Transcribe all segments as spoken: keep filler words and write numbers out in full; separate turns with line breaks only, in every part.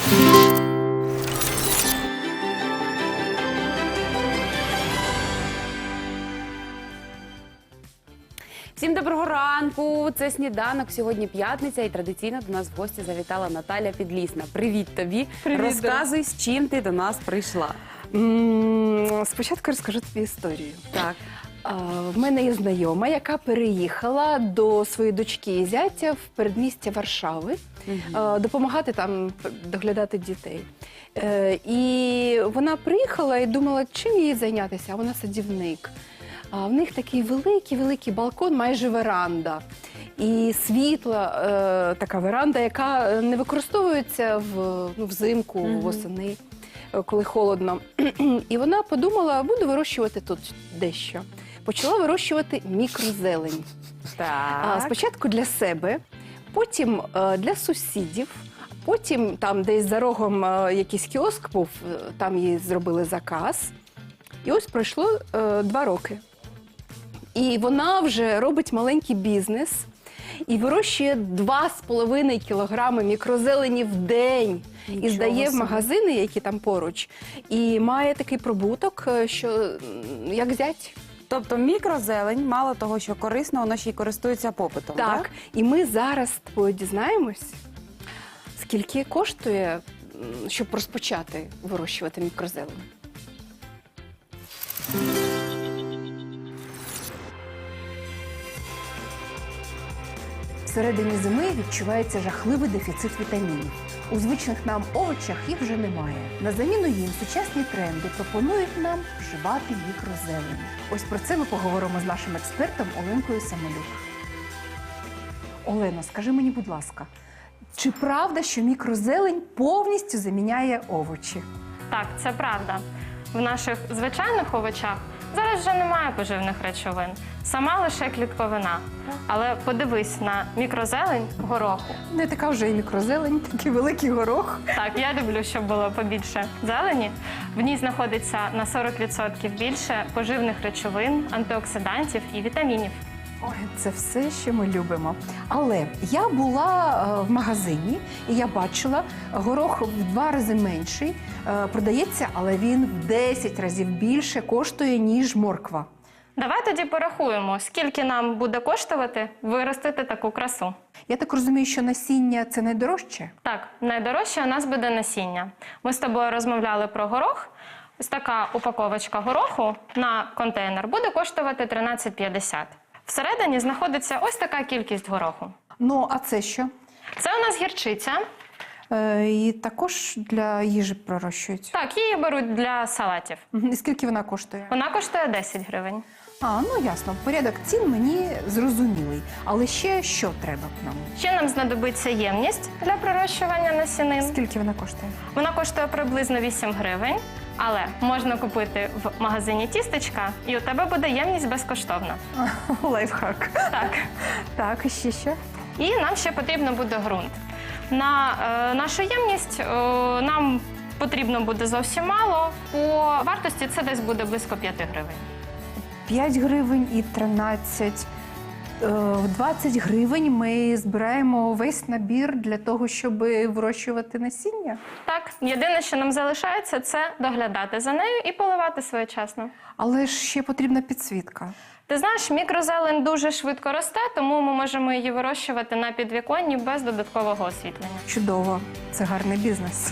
Всім доброго ранку! Це «Сніданок». Сьогодні п'ятниця і традиційно до нас в гості завітала Наталя Підлісна. Привіт тобі!
Привіт,
Розказуй, з чим ти до нас прийшла.
М, Спочатку розкажу тобі історію.
Так.
А, В мене є знайома, яка переїхала до своєї дочки і зятя в передмістя Варшави, а, допомагати там доглядати дітей. Е, І вона приїхала і думала, чим їй зайнятися, а вона садівник. А в них такий великий-великий балкон, майже веранда. І світла, е, така веранда, яка не використовується в, ну, взимку,
Мгм.
восени, е, коли холодно. І вона подумала, буду вирощувати тут дещо. Почала вирощувати мікрозелень.
Так.
А, спочатку для себе, потім е, для сусідів, потім там десь за рогом е, якийсь кіоск був, е, там їй зробили заказ. І ось пройшло е, два роки. І вона вже робить маленький бізнес і вирощує два з половиною кілограми мікрозелені в день.
Нічого
І здає в
собі.
магазини, які там поруч. І має такий прибуток, е, що м, як зять.
Тобто мікрозелень, мало того, що корисно, воно ще й користується попитом, так?
Так, і ми зараз з тобою дізнаємось, скільки коштує, м, щоб розпочати вирощувати мікрозелень.
Всередині зими відчувається жахливий дефіцит вітамінів. У звичних нам овочах їх вже немає. На заміну їм сучасні тренди пропонують нам вживати мікрозелень. Ось про це ми поговоримо з нашим експертом Оленкою Самолюк. Олено, скажи мені, будь ласка, чи правда, що мікрозелень повністю заміняє овочі?
Так, це правда. В наших звичайних овочах зараз вже немає поживних речовин, сама лише клітковина. Але подивись на мікрозелень гороху.
Не така вже і мікрозелень, такий великий горох.
Так, я люблю, щоб було побільше зелені. В ній знаходиться на сорок відсотків більше поживних речовин, антиоксидантів і вітамінів.
Ой, це все, що ми любимо. Але я була е, в магазині і я бачила, горох в два рази менший е, продається, але він в десять разів більше коштує, ніж морква.
Давай тоді порахуємо, скільки нам буде коштувати виростити таку красу.
Я так розумію, що насіння – це найдорожче?
Так, найдорожче у нас буде насіння. Ми з тобою розмовляли про горох. Ось така упаковочка гороху на контейнер буде коштувати тринадцять п'ятдесят. Всередині знаходиться ось така кількість гороху.
Ну, а це що?
Це у нас гірчиця.
Е, і також для їжі пророщують.
Так, її беруть для салатів.
Мгм. І скільки вона коштує?
Вона коштує десять гривень.
А, ну ясно. Порядок цін мені зрозумілий. Але ще що треба нам?
Ще нам знадобиться ємність для пророщування насінин.
Скільки вона коштує?
Вона коштує приблизно вісім гривень, але можна купити в магазині тістечка, і у тебе буде ємність безкоштовна.
Лайфхак.
Так.
Так, і ще що?
І нам ще потрібно буде ґрунт. На е, нашу ємність е, нам потрібно буде зовсім мало. По вартості це десь буде близько п'яти гривень.
п'ять гривень і тринадцять. Е, В двадцять гривень ми збираємо весь набір для того, щоб вирощувати насіння.
Так, єдине, що нам залишається, це доглядати за нею і поливати своєчасно.
Але ж ще потрібна підсвітка.
Ти знаєш, мікрозелень дуже швидко росте, тому ми можемо її вирощувати на підвіконні без додаткового освітлення.
Чудово, це гарний бізнес.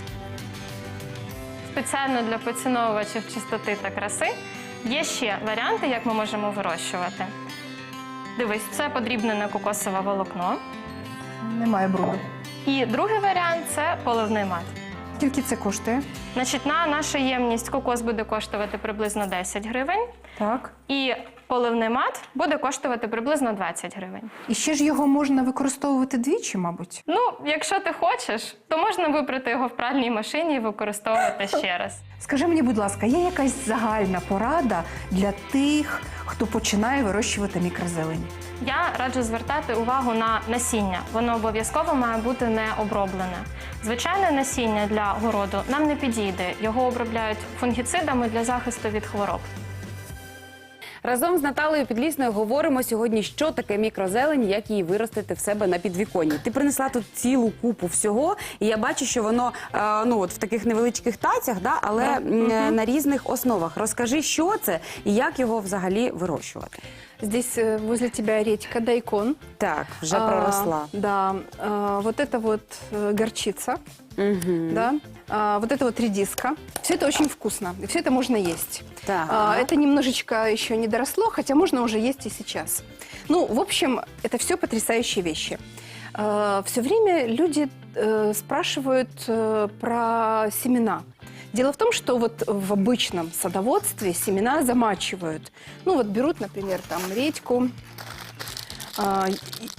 Спеціально для поціновувачів чистоти та краси є ще варіанти, як ми можемо вирощувати. Дивись, це подрібнене кокосове волокно.
Немає бруду.
І другий варіант – це поливний мат.
Скільки це коштує?
Значить, на нашу ємність кокос буде коштувати приблизно десять гривень,
Так.
і поливний мат буде коштувати приблизно двадцять гривень.
І ще ж його можна використовувати двічі, мабуть.
Ну, якщо ти хочеш, то можна випрати його в пральній машині і використовувати ще раз.
Скажи мені, будь ласка, є якась загальна порада для тих, хто починає вирощувати мікрозелень?
Я раджу звертати увагу на насіння. Воно обов'язково має бути не оброблене. Звичайне насіння для городу нам не підійде. Його обробляють фунгіцидами для захисту від хвороб.
Разом з Наталею Підлісною говоримо сьогодні, що таке мікрозелень, як її виростити в себе на підвіконні. Ти принесла тут цілу купу всього, і я бачу, що воно е, ну, от в таких невеличких тацях, да, але м, на різних основах. Розкажи, що це і як його взагалі вирощувати.
Здесь э, возле тебя редька, дайкон.
Так, вже
А,
проросла.
Да, а, вот это вот э, горчица,
Угу.
да, а, вот это вот редиска. Все это очень вкусно, и все это можно есть.
Так.
А, это немножечко еще не доросло, хотя можно уже есть и сейчас. Ну, в общем, это все потрясающие вещи. Все время люди э, спрашивают э, про семена. Дело в том, что вот в обычном садоводстве семена замачивают. Ну вот берут, например, там редьку. а, и-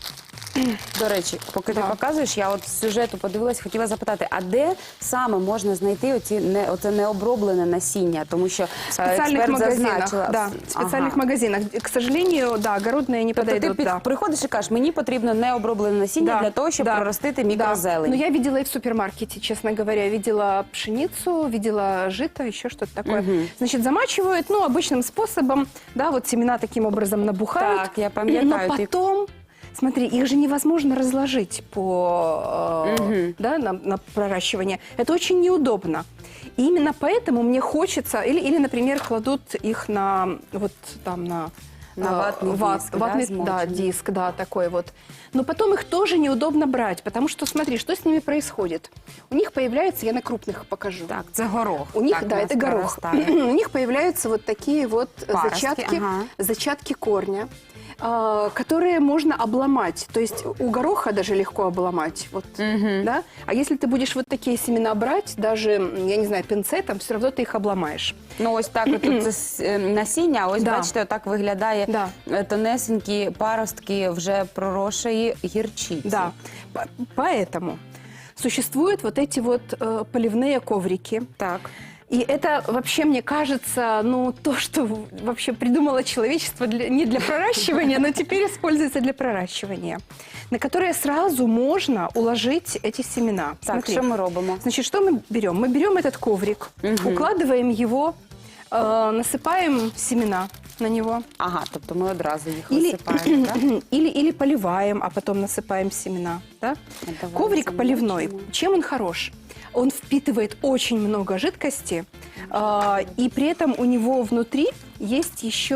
До речі, поки ти
Да.
показуєш, я от з сюжету подивилась, хотіла запитати, а де саме можна знайти оці не оце необроблене насіння? Тому що
В
е,
специальных
експерт
магазинах,
зазначила.
да, в специальных
Ага.
магазинах. К сожалению, да, огородные не
Тобто ти
подойдут.
під,
Да.
приходиш і кажеш, мені потрібно необроблене насіння
Да,
для того, щоб
да,
проростити
да.
мікрозелень.
Но я видела и в супермаркете, честно говоря. Видела пшеницу, видела жито, еще что-то такое.
Мгм.
Значит, замачивают, ну, обычным способом, да, вот семена таким образом набухают.
Так, я пам'ятаю.
Но
ти-
потом, смотри, их же невозможно разложить по, э,
Мгм.
да, на, на проращивание. Это очень неудобно. И именно поэтому мне хочется, или, или, например, кладут их на, вот там, на...
На
э,
ватный
ват-
диск, да,
ватный, да,
смоченный?
диск, да, такой вот. Но потом их тоже неудобно брать, потому что, смотри, что с ними происходит. У них появляются, я на крупных покажу.
Так, це горох.
У них,
так,
да,
у
это
нас
горох.
проростає.
У них появляются вот такие вот
Паростки,
зачатки,
ага.
зачатки корня, а, которые можно обломать. То есть у гороха даже легко обломать. Вот,
Мгм.
да? А если ты будешь вот такие семена брать, даже, я не знаю, пинцетом, все равно ты их обломаешь.
Ну ось так, тут це с- е, насіння, а ось
Да.
бачите, отак виглядає
Да.
е, тонесенькі паростки вже проросшої гірчиці.
Да. По- Поэтому существуют вот эти вот э, поливные коврики.
Так.
И это вообще, мне кажется, ну, то, что в- вообще придумало человечество для- не для проращивания, но теперь используется для проращивания, на которые сразу можно уложить эти семена.
Так,
Смотри.
що ми робимо?
Значит, что мы берем? Мы берем этот коврик, укладываем его, э, насыпаем семена на него.
Ага, тобто ми одразу їх
Или,
висипаємо, так?
или, или поливаем, а потом насыпаем семена. Да?
Давай
Коврик
замочим.
поливной. Чем он хорош? Он впитывает очень много жидкости, а, и при этом у него внутри есть еще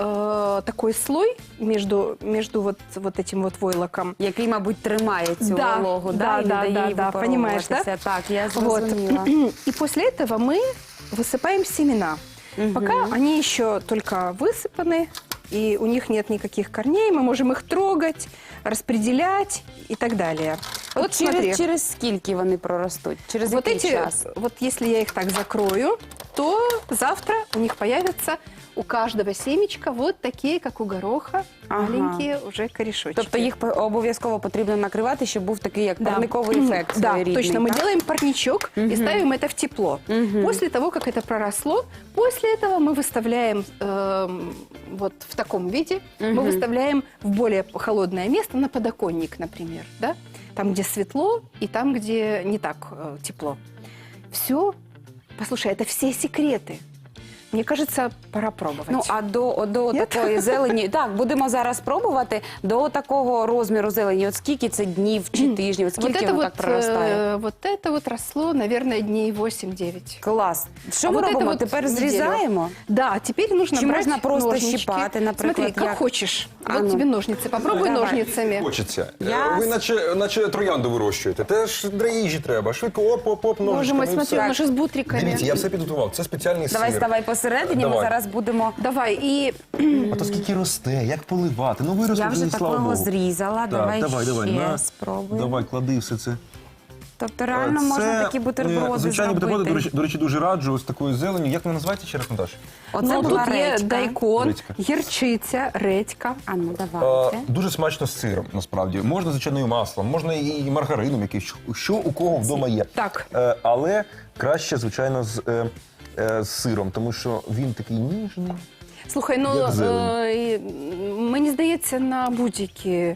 э, такой слой между, между вот, вот этим вот войлоком.
Який, мабуть, тримає цю
Да,
вологу,
да,
да, і не
да,
дає
да,
їй
да, понимаешь, да?
випаровуватися. Так, я
Вот.
зрозуміла.
И после этого мы высыпаем семена. Пока они еще только высыпаны, и у них нет никаких корней, мы можем их трогать, распределять и так далее. Вот смотри.
через, через скільки вони проростуть? Через
Вот
який
эти,
час?
вот если я их так закрою, то завтра у них появятся у каждого семечка вот такие, как у гороха,
Ага.
маленькие уже корешочки.
Тобто їх по- обов'язково потрібно накривати, щоб був такий як
Да.
парниковий ефект
Да,
своєрідний,
точно. Мы
так?
делаем парничок и ставим это в тепло. После того, как это проросло, после этого мы выставляем эм, вот в таком виде, мы выставляем в более холодное место, на подоконник, например, да? Там, где светло, и там, где не так э, тепло. Все, послушай, это все секреты. Мне кажется, пора пробовать.
Ну, а до, до
Ні?
такої зелені, так, будемо зараз пробувати, до такого розміру зелені, от скільки це днів чи тижнів, от
вот
скільки
это
воно
вот,
так проростає?
э, вот это вот росло, наверное, дней восемь-девять.
Клас. Що
А
ми
вот это
робимо?
вот
Тепер
неделю.
зрізаємо?
Да, теперь нужно
Чи
брать
можна просто
ножнички.
щипати, наприклад,
Смотри, как
як?
хочешь.
А
Вот
ну.
тебе ножницы. Попробуй
Давай.
ножницами.
Хочеться.
Я
Е, Ви
с-
наче, наче троянду вирощуєте. Теж для їжі треба. Швидко оп-оп-оп,
Боже
ножичками
мой,
і
смотри,
все.
он же с бутриками.
Дивіться, я все підготував. Це спеціальний
Давай
сир.
ставай посередині, ми
Давай.
зараз будемо...
Давай, и
А то скільки росте, як поливати. Ну виросте,
Я вже
слава
такого
Богу.
зрізала,
Так,
давай,
давай, давай,
ще
на.
спробуй.
Давай, клади все це.
Тобто реально можна такі бутерброди
звичайні
зробити.
бутерброди, до речі, до речі, дуже раджу ось такою зеленю. Як вона називається ще раз, Наташ?
Оце
ну,
була
тут є
редька.
дайкон,
Редька.
гірчиця, редька.
А ну
Е,
давайте.
Дуже смачно з сиром, насправді. Можна звичайною маслом, можна і маргарином якийсь, що у кого вдома є.
Так.
Е, але краще, звичайно, з, е, е, з сиром, тому що він такий ніжний.
Слухай, ну
Як зелень.
е, і мені здається, на будь-які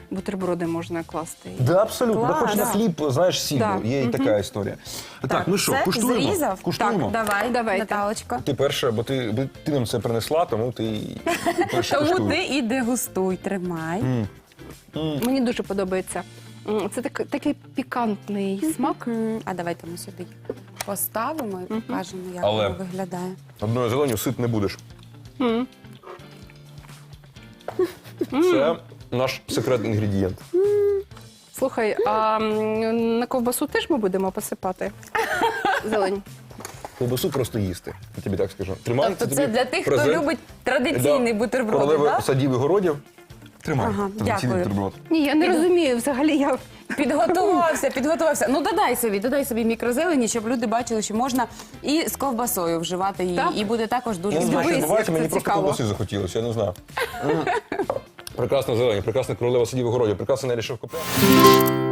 бутерброди можна класти.
Да, абсолютно.
Клас,
Да, хоч на
да.
хліб, знаєш, сіль.
Да.
Є і така історія. Так, ну що,
це
куштуємо?
зрізав?
Куштуємо?
Так, давай,
Давайте.
Наталочко.
Ти перша, бо ти, бо ти нам це принесла, тому ти і перша
Тому
куштуй.
ти і дегустуй, тримай.
Мені дуже подобається. М, Це так, такий пікантний смак.
М, А давайте ми сюди поставимо і покажемо, як
Але-
воно виглядає.
Одною зеленю сит не будеш.
М.
Це наш секретний інгредієнт.
Слухай, а м, на ковбасу теж ми будемо посипати зелень?
Ковбасу просто їсти, я тобі так скажу. Тримай,
Тобто це
тобі
для тих, хто
презент.
любить традиційний
Да.
бутерброд,
Королеви
так?
садів і городів. Тримай,
Ага,
традиційний
дякую.
бутерброд.
Ні, я не розумію. Взагалі я
Підготувався, підготувався. Ну додай собі, додай собі мікрозелені, щоб люди бачили, що можна і з ковбасою вживати її,
Так.
і буде також дуже
Я не знаю, що
смачно.
Дивись,
відбувається,
як
мені
це
просто
цікаво.
ковбаси захотілося, я не знаю. М. Прекрасна зелень, прекрасна королева садів і городів, прекрасна Нелі Шевкоплян.